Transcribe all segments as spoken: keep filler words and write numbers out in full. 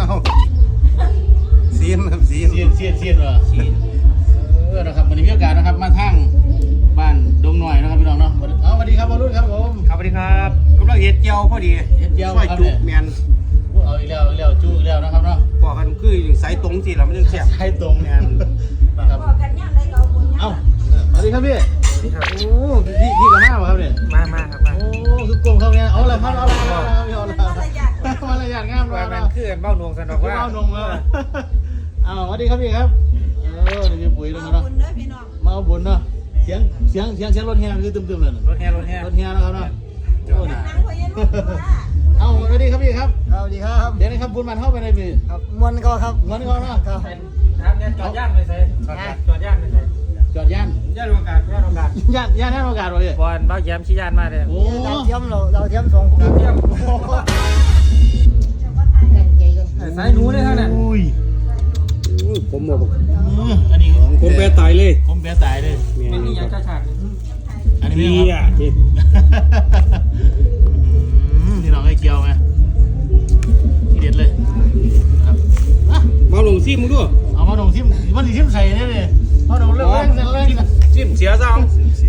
ซีนครับซีนเสียนเสียนเสียนเหรอเออนะครับวันนี้มีโอกาสนะครับมาทั้งบ้านดงหน่อยนะครับพี่น้องเนาะเอาสวัสดีครับบอลลูนครับผมครับสวัสดีครับกำลังเห็ดเจียวพอดีเฮ็ดเจียวซอยครับจุเนี่ยแมนเอาอีกแล้วอีกแล้วจูอีกแล้วนะครับเนาะพอกันคือสายตรงสิเราไม่ต้องแซ่บใช้ตรงแมนนะครับบอกกันย่างไรก็เอาบุญย่างเอ้าสวัสดีครับพี่โอ้พี่พี่กับมาป่ะครับเนี่ยมามาครับมาโอ้คือกลมเข้าเนี่ยเอาละครับเอาละเอาละเอาละมารยาทมารยาทงามเลยว่านะมันคือเบ้านวงสนอกว่าเบ้านงเอออ้าวสวัสดีครับพี่ครับเออนี่พี่ปุ๋ยแล้วเอาเนาะบุญเด้อพี่น้องมาเอาบุญเนาะเสียงเสียงเสียงเสียงรถแห่คือตึมๆเลยรถแห่รถแห่รถแห่นะครับเนาะโอ้น่ะนั่งไว้ยันลูกว่าเอาสวัสดีครับพี่ครับสวัสดีครับเดี๋ยวนี้ครับบุญมันเข้าไปในพี่ครับมวนก็ครับเงินเขาเนาะครับถามเนี่ยจอดย่านไปใส่จอดย่านไปใส่จอดย่านย่านโอกาสย่านโอกาสย่านย่านให้โอกาสเลยบอลเบ้าแย้มชี้ย่านมาเลยโอ้เราเทียมเราเราเทียมสองคนเที่ยมตั้งใจกันสายหนูเลยท่านน่ะอุ้ยผมบอกอันนี้ผมแปรตายเลยผมแปรตายเลยเป็นนี่ยังจะฉากอันนี้เฮีพี่ยครับนี่น้องไอ้เกียวไหมทีเด็ดเลยครับมาลงซิมึงด้วยเอามาลงทิมมันทิมใส่เนี่ยเลยเอาลงเรื่องแรงแรงนะซิมเสียซะเอา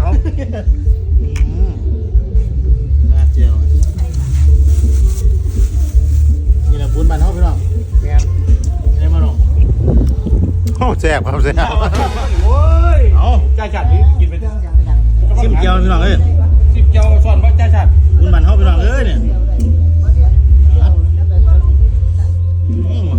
น่าเจียวนี่แหละบุญบ้านเขาพี่น้องแมนได้มาลงโอ้แซ่บครับแซ่บโอ้ยเอาจ่าชัดนี่กินไปทิมเกียวพี่น้องเอ้ยสิบเจ้าสอนว่าจ่าชัดบุญบ้านเขาพี่น้องเอ้ยเนี่ยอืม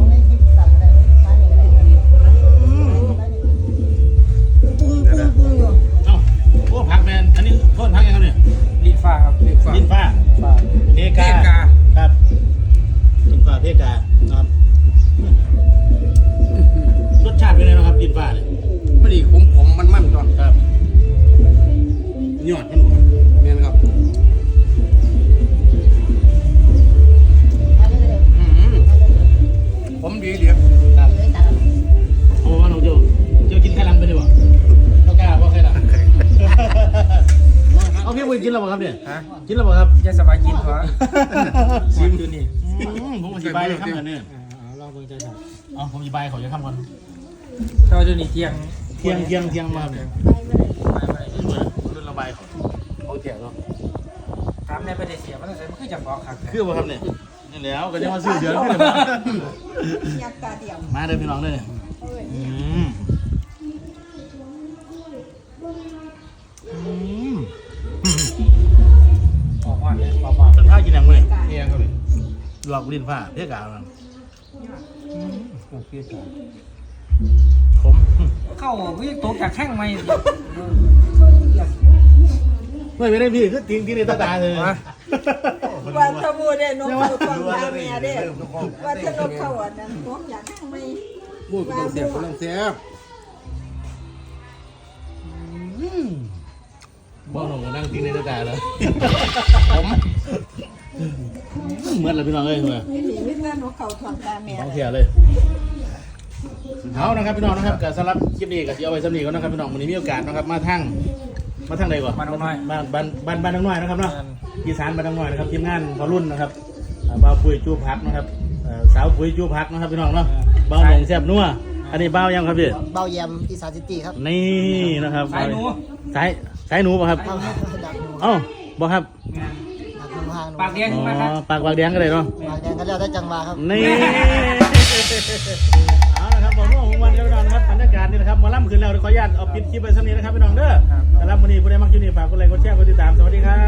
ปุ้งปุ้งปุ้งอยู่เอ้าโอ้ผักแมนอันนี้โทษผักยังครับเนี่ยลิ้นฟ้าครับลิ้นฟ้าลิ้นฟ้าฟ้าเพกาครับลิ้นฟ้าเพกาครับรสชาติเป็นไงนะครับลิ้นฟ้าเนี่ยไม่ดีผมผมมันมั่นก่อนครับยอดมันแมนครับผมดีเดียวครับโอ้ว่าเราเจียวเจียวกินไข่ลังไปดีกว่าเรากล้าว่าไข่ลังเอาพี่บุญกินแล้วเปล่าครับเนี่ยฮะกินแล้วเปล่าครับจะสบายกินเพราะชิมดูนี่อืมผมอธิบายเลยครับเนี่ยลองเบิ่งจ่าฉากเอาผมอธิบายเขาจะทำก่อนเท่าดูนี่เที่ยงเที่ยงเที่ยงเที่ยงมาเนี่ยไปไปเหมือนรุ่นระบายเขาเขาเที่ยงเนาะถามในประเทศเสียมันต้องใส่มันคือจังบอกครับคือป่ะครับเนี่ยนี่แล้วก็จะมาซื้อเดือนขึ้นเลยมายักษ์ตาเดียวมาเลยพี่น้องเลยอืมอืมออกมาเนี่ยออกมาเป็นผ้ากินยังไงเที่ยงครับหลอกลิ้นผ้าเพี้ยกาวมันโอเคจ้ะผมเข้าวิ่งตกจากแข้งไหมไม่ไม่ได้พี่คือทิ้งที่ในตาตาเลยว่าทบูเด้นกเขาทองตาเมียเด้ว่าจะนกเขาอันนั้นผมอยากให้ไม่พูดกำลังเสียบกำลังเสียบบ้องหนุ่มก็นั่งทิ้งในตาตาแล้วผมเหมือนอะไรพี่น้องเลยเหมือนนี่หนีไม่เมื่อนกเขาทองตาเมียท้องเสียเลยเอานะครับพี่น้องนะครับกับสำหรับคลิปนี้ก็จะเอาไว้สำนีก่อนนะครับพี่น้องวันนี้มีโอกาสนะครับมาทั้งมาทั้งใดก่อนบ้านน้อยบ้านบ้านบ้านบ้านน้อยนะครับเนาะอีสานบ้านน้อยนะครับทีมงานพอรุ่นนะครับอ่าบ่าวปุ๋ยจูพักนะครับเอ่อสาวปุ๋ยจูพักนะครับพี่น้องเนาะบ่าวหนงแซ่บนัวอันนี้บ่าวยังครับพี่เบาแยมอีสานซิตี้ครับนี่นะครับสายหนูสายสายหนูป่ะครับดักหนูเอ้าบ่ครับดักหนูหางหนูปากแดงอ๋มาครับอปากปากแดงก็เลยเนาะปากแดงก็แล้วได้จังหวะครับนี่เอาละครับผมว่าผมวันนี้พี่น้องนะครับบรรยากาศนี่นะครับหมอลำขึ้นแล้วเดี๋ยวขออนุญาตเอาปิดคลิปไปสักนิดนะครับพี่น้องเด้อสำหรับวันนี้ผู้ใดมักอยู่นี่ฝากกดไลค์กดแชร์กดติดตามสวัสดีครับ